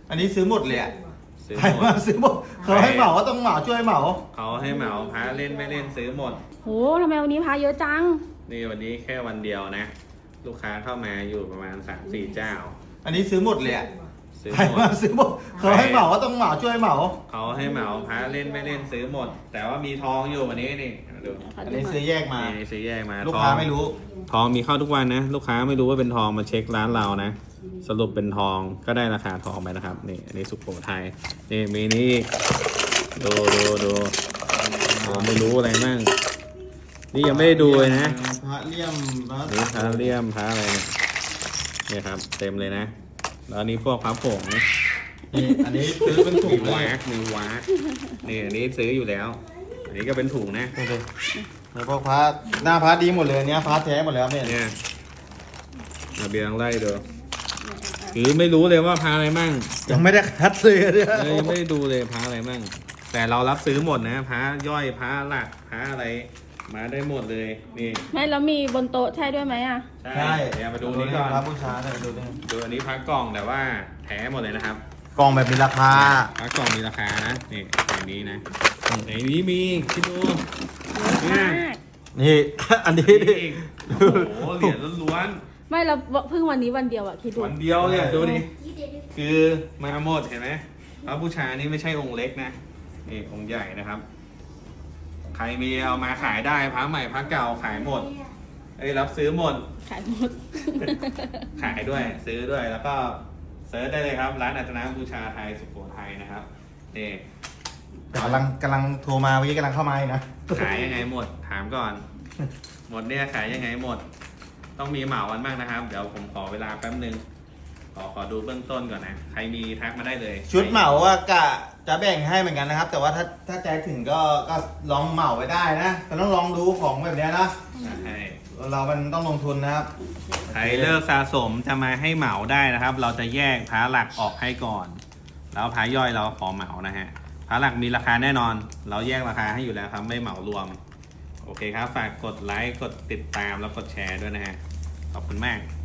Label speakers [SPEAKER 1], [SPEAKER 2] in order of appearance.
[SPEAKER 1] อันนี้ซื้อหมดเลยอะ
[SPEAKER 2] ซื้อ
[SPEAKER 1] ใคร
[SPEAKER 2] หม
[SPEAKER 1] มา
[SPEAKER 2] ด
[SPEAKER 1] ซื้อหมดเขาให้เหมาก็ต้องเหมาช่วยเหมา
[SPEAKER 2] เขาให้เหมาพระเล่นไม่เล่นซื้อหมด
[SPEAKER 3] โหทำไมวันนี้พาเยอะจัง
[SPEAKER 2] นี่วันนี้แค่วันเดียวนะ ลูกค้าเข้ามาอยู่ประมาณ 3-4 เจ้า
[SPEAKER 1] อันนี้ซื้อหมดเลยอะ
[SPEAKER 2] ซื้อ
[SPEAKER 1] ใคร
[SPEAKER 2] หม
[SPEAKER 1] มา
[SPEAKER 2] ด
[SPEAKER 1] ซื้อหมดเขาให้เหมาก็ต้องเหมาช่วยเหมา
[SPEAKER 2] เขาให้เหมาพระเล่นไม่เล่นซื้อหมด แต่ว่ามีทองอยู่วันนี้นี่ดู
[SPEAKER 1] อันนี้ซื้อแยกมา
[SPEAKER 2] นี่ซื้อแยกมา
[SPEAKER 1] ลูก
[SPEAKER 2] ทอง
[SPEAKER 1] ค้าไม่รู้
[SPEAKER 2] ทองมีเข้าทุกวันนะ ลูกค้าไม่รู้ว่าเป็นทองมาเช็คร้านเรานะ สรุปเป็นทองก็ได้ราคาทองไปนะครับนี่อันนี้สุโขทัยนี่มีนี่ดูผมไม่รู้อะไรมั่งนี่ยังไม่ได้ดูเลยนะ
[SPEAKER 1] พระเลี่ยมพระ
[SPEAKER 2] นี่พระเลี่ยมพระอะไรเนี่ยนี่ครับเต็มเลยนะแล้วอันนี้พวกพระผง
[SPEAKER 1] นี่อันนี้ซื้อเป็นถุ
[SPEAKER 2] มี
[SPEAKER 1] งเล
[SPEAKER 2] วาย กมีวากนี่อันนี้ซื้ออยู่แล้ว อันนี้ก็เป็นถุงนะ
[SPEAKER 1] ดูดิแล้วพวกพระหน้าพระดีหมดเลยเนี้ยพระแท้หมดแล้วเนี่ย
[SPEAKER 2] เนี่ยระเบียงไล่ดูคือไม่รู้เลยว่าพระอะไรมั่ง
[SPEAKER 1] ยังไม่ได้คัดเลยเนี่ย
[SPEAKER 2] ยังไม่ได้ดูเลยพระอะไรมั่งแต่เรารับซื้อหมดนะพระย่อยพระหลักพระอะไรมาได้หมดเลยนี่
[SPEAKER 3] ไม่แล้วมีบนโต๊ะใช่ด้วยไหมอ่ะ
[SPEAKER 2] ใช่เดี๋ยวมาดูนี้ก่อน
[SPEAKER 1] พระบูชาเนี่ยดูดิ
[SPEAKER 2] ดูอันนี้พระกล่องแต่ว่าแท้หมดเลยนะครับ
[SPEAKER 1] กล่องแบบมีราคา
[SPEAKER 2] พระกล่องมีราคานะนี่อย่างนี้นะในนี้มีคิดดู
[SPEAKER 3] เยอะมาก
[SPEAKER 1] นี่ อันนี้
[SPEAKER 2] นี่อีกโอ้โหเหรียญล้วน
[SPEAKER 3] ไม่แล้วเพิ่งวันนี้วันเดียวอ่ะคิดดู
[SPEAKER 2] ๆวันเดียวเนี่ยดูดิคือมาหมดเห็นไหมพระบูชานี่ไม่ใช่องค์เล็กนะนี่องค์ใหญ่นะครับ ใครมีเอามาขายได้พระใหม่พระเก่าขายหมดรับซื้อหมด
[SPEAKER 3] ขายหมด
[SPEAKER 2] ขายด้วยซื้อด้วยแล้วก็เซิร์ชได้เลยครับร้านอัตนาบูชาไทยสุโขทัยนะครับนี่
[SPEAKER 1] กำลังโทรมาเมื่อกี้กำลังเข้ามานะ
[SPEAKER 2] ขายยังไงหมดถามก่อน หมดเนี่ยขายยังไงหมด ต้องมีเหมาวันบ้างนะครับ เดี๋ยวผมขอเวลาแป๊บนึงขอดูเบื้องต้นก่อนนะใครมีทักมาได้เลย
[SPEAKER 1] ชุดเหมาว่ากะจะแบ่งให้เหมือนกันนะครับ แต่ว่าถ้าใจถึงก็ลองเหมาไว้ได้นะแต่ต้องลองดูของแบบเนี้ยนะ
[SPEAKER 2] ใช่
[SPEAKER 1] เรามันต้องลงทุนนะครับ
[SPEAKER 2] ใครเลิกสะสมจะมาให้เหมาได้นะครับ เราจะแยกพระหลักออกให้ก่อน แล้วพระย่อยเราขอเหมานะฮะพระหลักมีราคาแน่นอน เราแยกราคาให้อยู่แล้วครับไม่เหมารวมโอเคครับฝากกดไลค์กดติดตามแล้วกดแชร์ด้วยนะฮะขอบคุณมาก